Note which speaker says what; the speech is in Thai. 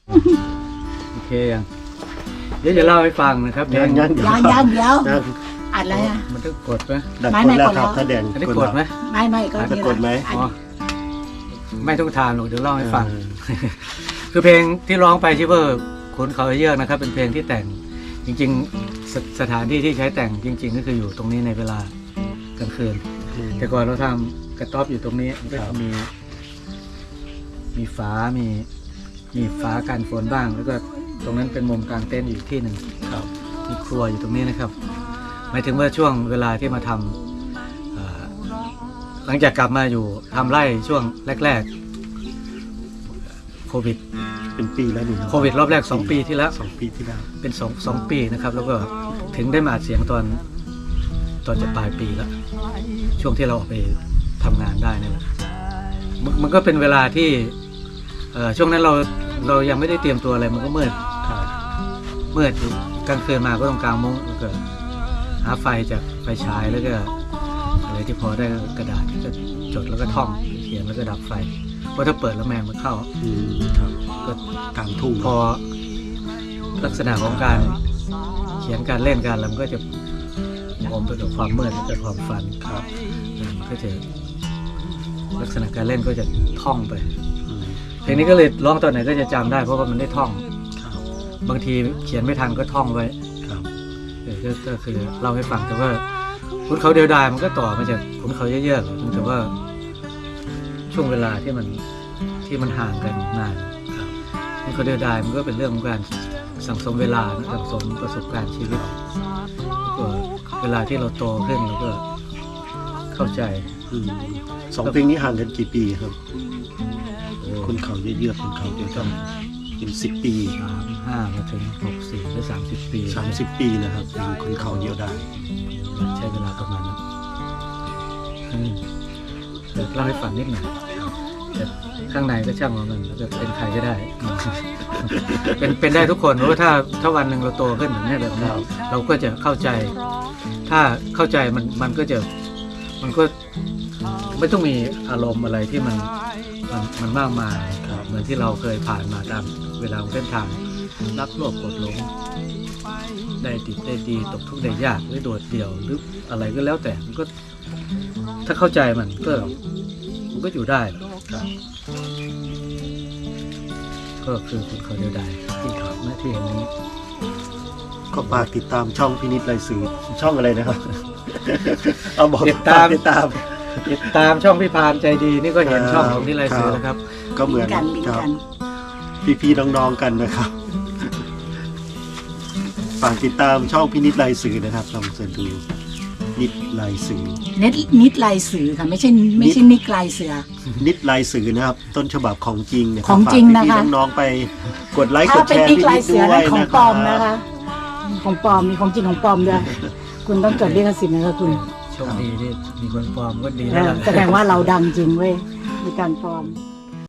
Speaker 1: โอเคยังเดี๋ยวจะเล่าให้ฟังนะครับเพลง
Speaker 2: ยังเดี๋ยวอัดอะไรอ่ะ
Speaker 1: มันต้องกดไหม
Speaker 2: ดักกดแล้วครับถ้าแดง
Speaker 1: อันนี้กดไหม
Speaker 2: ไม่ก็จะกดไหม
Speaker 1: อ๋อไม่ต้องทานหรอกเดี๋ยวเล่าให้ฟัง คือเพลงที่ร้องไปชื่อว่าขุนเขาเยือกนะครับเป็นเพลงที่แต่งจริงๆสถานที่ที่ใช้แต่งจริง ๆ ก็คืออยู่ตรงนี้ในเวลากลางคืนแต่ก่อนเราทำกระต๊อบอยู่ตรงนี้ก็จะมีฝามีฝากันฝนบ้างแล้วก็ตรงนั้นเป็นมุมกลางเต็นท์อยู่ที่หนึ่งมีครัวอยู่ตรงนี้นะครับหมายถึงว่าช่วงเวลาที่มาทำหลังจากกลับมาอยู่ทำไร่ช่วงแรกๆโควิด
Speaker 2: เป็นปีแล้วนี่
Speaker 1: โควิดรอบแรก2 ปีที่แล้ว
Speaker 2: 2 ปีที่แล้ว
Speaker 1: เป็น2 ปีนะครับแล้วก็ถึงได้มาอัดเสียงตอนจะปลายปีแล้วช่วงที่เราออกไปทำงานได้นี่แหละมันก็เป็นเวลาที่ช่วงนั้นเรายังไม่ได้เตรียมตัวอะไรมันก็มืดกลางคืนมาก็ต้องกางมุ้งแล้วก็หาไฟจากไฟฉายแล้วก็อะไรที่พอได้กระดาษก็จดแล้วก็ท่องเขียนแล้วก็ดับไฟเพราะถ้าเปิดแล้วแมงมันเข้าก็
Speaker 2: กลางทุ่ง
Speaker 1: พอลักษณะของการเขียนการเล่นการอะไรมันก็จะอมไปกับความมืดและความฝันก็จะลักษณะการเล่นก็จะท่องไปเพลงนี้ก็เลยร้องตอนไหนก็จะจำได้เพราะว่ามันได้ท่องบางทีเขียนไม่ทันก็ท่องไว้ก็คือเล่าให้ฟังแต่ว่าขุนเขาเดียวดายมันก็ต่อมาจากขุนเขาเยอะๆแต่ว่าช่วงเวลาที่มันห่างกันนานขุนเขาเดียวดายมันก็เป็นเรื่องของการสั่งสมเวลาสั่งสมประสบการณ์ชีวิตก็เวลาที่เราโตขึ้นเราก็เข้าใจ
Speaker 2: 2 เพลงนี้ห่างกันกี่ปีครับคนเขาเยอะๆคนเขาเดียวกันเป็น10 ปี
Speaker 1: 35มาถึง64หรือ30 ปี
Speaker 2: 30 ปีนะครับเป็นคนเขาเดียวได้
Speaker 1: ใช้เวลาประมาณนั้นเล่าให้ฟังนิดหน่อยแต่ข้างในก็ช่างมันจะเป็นใครก็ได้เป็นได้ทุกคนเพราะว่าถ้าวันหนึ่งเราโตขึ้นแบบนี้เราก็จะเข้าใจถ้าเข้าใจมันก็ไม่ต้องมีอารมณ์อะไรที่มันมากมายเหมือนที่เราเคยผ่านมาตามเวลาของเส้นทางรักโลภโกรธหลงได้ดิบได้ดีตกทุกข์ได้ยากหรือโดดเดี่ยวหรืออะไรก็แล้วแต่มันก็ถ้าเข้าใจมันก็อยู่ได้ก็คือคุณเขาเดียวดายที่ทำหน้าที่อย่างนี้
Speaker 2: ก็ฝากติดตามช่องพินิจไรสื่อช่องอะไรนะครับเอาบอก
Speaker 1: ติดตามช่องพี่พานใจดีนี่ก็เห็นช่องของพินิจไรสื่อนะครับ
Speaker 2: ก็เหมือนกันพี่น้องๆกันนะครับฝากติดตามช่องพินิจไรสื่อนะครับลองเสิร์ชดูนิดลายสื่อ
Speaker 3: นิดลายสื่อค่ะไม่ใช่นิดลายเสือ
Speaker 2: นิดลายสื่อนะครับต้นฉบับของจริงนะ
Speaker 3: ของจริงนะคะ
Speaker 2: พี่น้องๆไปกดไลค์กดแชร์
Speaker 3: พี่นิดด้วยของปลอมนะคะของปลอมมีของจริงของปลอมด้วยคุณต้องจดลิขสิทธิ์นะคะคุณ
Speaker 1: โชคดีที่มีคนปลอมก็ดีแล้ว
Speaker 3: แสดงว่าเราดังจริงเว้ยมีการปลอม